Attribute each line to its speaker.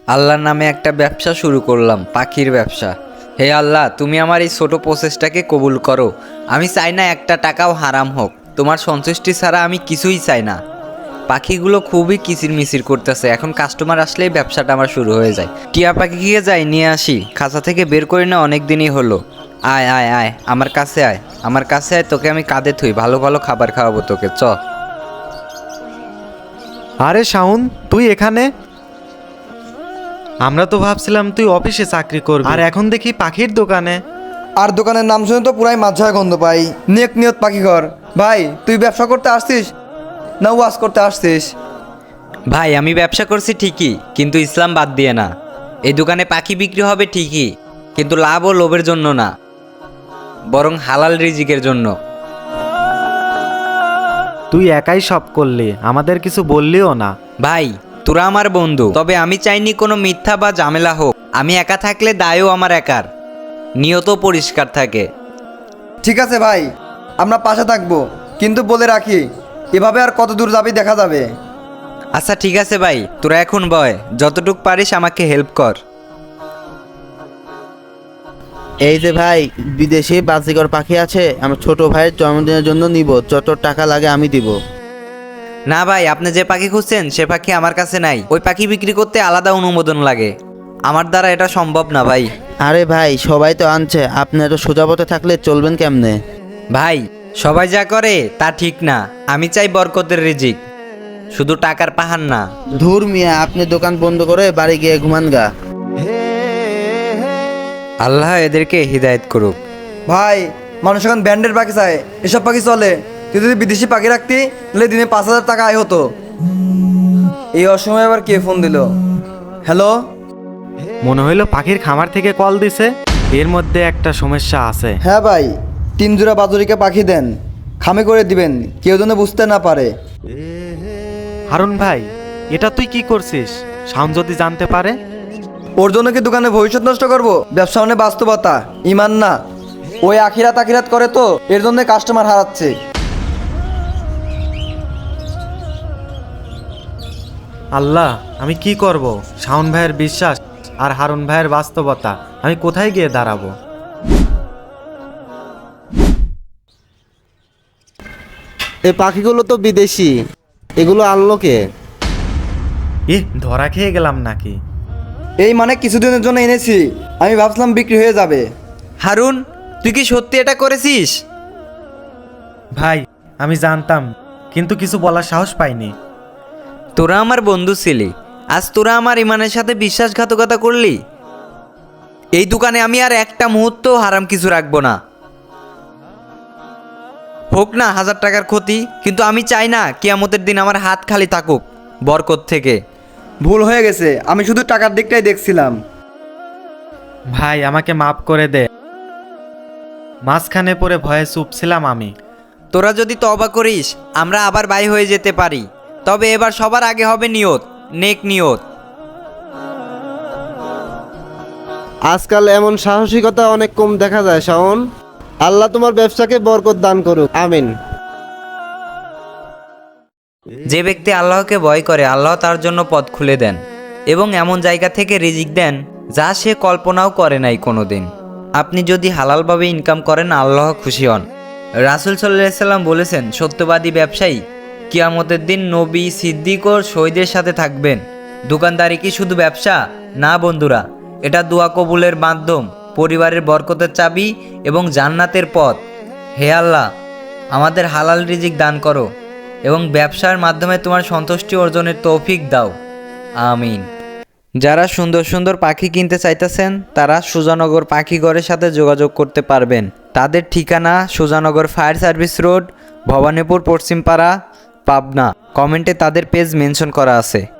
Speaker 1: আল্লাহর নামে একটা ব্যবসা শুরু করলাম, পাখির ব্যবসা। হে আল্লাহ, তুমি আমার এই ছোট প্রচেষ্টাকে কবুল করো। আমি চাই না একটা টাকাও হারাম হোক। তোমার সন্তুষ্টি ছাড়া আমি কিছুই চাই না। পাখিগুলো খুবই কিচিরমিচির করতেছে, এখন কাস্টমার আসলেই ব্যবসাটা আমার শুরু হয়ে যায়। টিয়া পাখিকে যাই নিয়ে আসি, খাঁচা থেকে বের করি না অনেক দিনই হলো। আয় আয় আয়, আমার কাছে আয়, আমার কাছে আয়, তোকে আমি কাঁধে থুই, ভালো ভালো খাবার খাওয়াবো তোকে, চ।
Speaker 2: আরে শাওন, তুই এখানে? আমরা তো ভাবছিলাম তুই অফিসে চাকরি করবি, আর এখন দেখি পাখির দোকানে।
Speaker 3: আর দোকানের নাম শুনে তো পুরাই মাঝায় গন্ধ পাই। নেক নিয়ত পাখি ঘর। ভাই, তুই ব্যবসা করতে আসছিস না ওয়াজ করতে আসছিস?
Speaker 1: ভাই, আমি ব্যবসা করছি ঠিকই, কিন্তু ইসলাম বাদ দিয়ে না। এই দোকানে পাখি বিক্রি হবে ঠিকই, কিন্তু লাভ ও লোভের জন্য না, বরং হালাল রিজিকের জন্য।
Speaker 2: তুই একাই সব করলি, আমাদের কিছু বললিও না।
Speaker 1: ভাই, তোরা আমার বন্ধু, তবে আমি চাইনি কোনো মিথ্যা বা ঝামেলা হোক। আমি একা থাকলে দায়ও আমার একার, নিয়ত পরিষ্কার থাকে।
Speaker 3: ঠিক আছে ভাই, আমরা পাশে থাকবো, কিন্তু বলে রাখি এভাবে আর কত দূর যাবি দেখা যাবে।
Speaker 1: আচ্ছা ঠিক আছে ভাই, তোরা এখন বয়, যতটুক পারিস আমাকে হেল্প কর।
Speaker 4: এই যে ভাই, বিদেশি বাজিকর পাখি আছে, আমার ছোট ভাইয়ের জন্মদিনের জন্য নিব, যত টাকা লাগে আমি দিব।
Speaker 1: না ভাই, আপনি যে পাখি খুঁজছেন সে পাখি আমার কাছে নাই। ওই পাখি বিক্রি করতে আলাদা অনুমোদন লাগে, আমার দ্বারা এটা সম্ভব না ভাই।
Speaker 4: আরে ভাই, সবাই তো আনছে, আপনি এত সোজা পথে থাকলে চলবেন কেমনে?
Speaker 1: ভাই, সবাই যা করে তা ঠিক না। আমি চাই বরকতের রিজিক, শুধু টাকার পাহাড় না।
Speaker 4: ধুর মিয়া, আপনি দোকান বন্ধ করে বাড়ি গিয়ে ঘুমান গা।
Speaker 1: আল্লাহ এদেরকে হিদায়েত করুক।
Speaker 3: ভাই, মানুষ এখন ব্যান্ডের পাখি চায়, এসব পাখি চলে। তুই যদি বিদেশি পাখি রাখতি তাহলে দিনে 5,000 টাকা আয় হতো। এই অসময়ে আবার কে ফোন দিল? হ্যালো।
Speaker 2: মনে হইলো পাখির খামার থেকে কল দিছে। এর মধ্যে একটা সমস্যা আছে।
Speaker 3: হ্যাঁ ভাই, 3 জোড়া বাজুরিকে পাখি দেন, খামে করে দিবেন, কেউ যেন বুঝতে না পারে।
Speaker 2: হারুন ভাই, এটা তুই কি করছিস? শাওন যদি জানতে পারে?
Speaker 3: ওর জন্য কি দোকানে ভবিষ্যৎ নষ্ট করবো? ব্যবসা মানে বাস্তবতা, ইমান না। ওই আখিরাত আখিরাত করে তো, এর জন্য কাস্টমার হারাচ্ছে।
Speaker 2: আল্লাহ, আমি কি করব? শাওন ভাইয়ের বিশ্বাস আর হারুন ভাইয়ের বাস্তবতা, আমি কোথায় গিয়ে দাঁড়াবো?
Speaker 4: এই পাখিগুলো তো বিদেশি, এগুলো আনলো কে?
Speaker 2: ধরা খেয়ে গেলাম নাকি?
Speaker 3: এই মানে কিছুদিনের জন্য এনেছি, আমি ভাবছিলাম বিক্রি হয়ে যাবে।
Speaker 1: হারুন, তুই কি সত্যি এটা করেছিস?
Speaker 2: ভাই, আমি জানতাম, কিন্তু কিছু বলার সাহস পাইনি।
Speaker 1: তোরা আমার বন্ধু ছিলি, আজ তোরা আমার ইমানের সাথে বিশ্বাসঘাতকতা করলি। এই দোকানে আমি আর একটা মুহূর্ত হারাম কিছু রাখবো না, হোক না 1000 টাকার ক্ষতি, কিন্তু আমি চাই না কিয়ামতের দিন আমার হাত খালি থাকুক বরকত থেকে।
Speaker 3: ভুল হয়ে গেছে, আমি শুধু টাকার দিকটাই দেখছিলাম।
Speaker 2: ভাই, আমাকে মাফ করে দে। মাঝখানে পড়ে ভয়ে চুপ ছিলাম আমি।
Speaker 1: তোরা যদি তওবা করিস আমরা আবার বাই হয়ে যেতে পারি, তবে এবার সবার আগে হবে নিয়ত, নেক নিয়ত।
Speaker 4: আজকাল এমন সাহসিকতা অনেক কম দেখা যায় শাওন। আল্লাহ তোমার ব্যবসাকে বরকত দান করুক, আমিন।
Speaker 1: যে ব্যক্তি আল্লাহকে ভয় করে আল্লাহ তার জন্য পথ খুলে দেন এবং এমন জায়গা থেকে রিজিক দেন যা সে কল্পনাও করে নাই কোনোদিন। আপনি যদি হালালভাবে ইনকাম করেন আল্লাহ খুশি হন। রাসূল সাল্লাল্লাহু আলাইহি সাল্লাম বলেছেন, সত্যবাদী ব্যবসায়ী কিয়ামতের দিন নবী, সিদ্দিক ও শহীদের সাথে থাকবেন। দোকানদারি কি শুধু ব্যবসা? না বন্ধুরা, এটা দোয়া কবুলের মাধ্যম, পরিবারের বরকতের চাবি এবং জান্নাতের পথ। হে আল্লাহ, আমাদের হালাল রিজিক দান করো এবং ব্যবসার মাধ্যমে তোমার সন্তুষ্টি অর্জনের তৌফিক দাও, আমিন। যারা সুন্দর সুন্দর পাখি কিনতে চাইতেছেন তারা সুজানগর পাখিঘরের সাথে যোগাযোগ করতে পারবেন। তাদের ঠিকানা Sujanagar fire service road, Bhabanipur, Paschimpara, Pabna. কমেন্টে তাদের পেজ মেনশন করা আছে।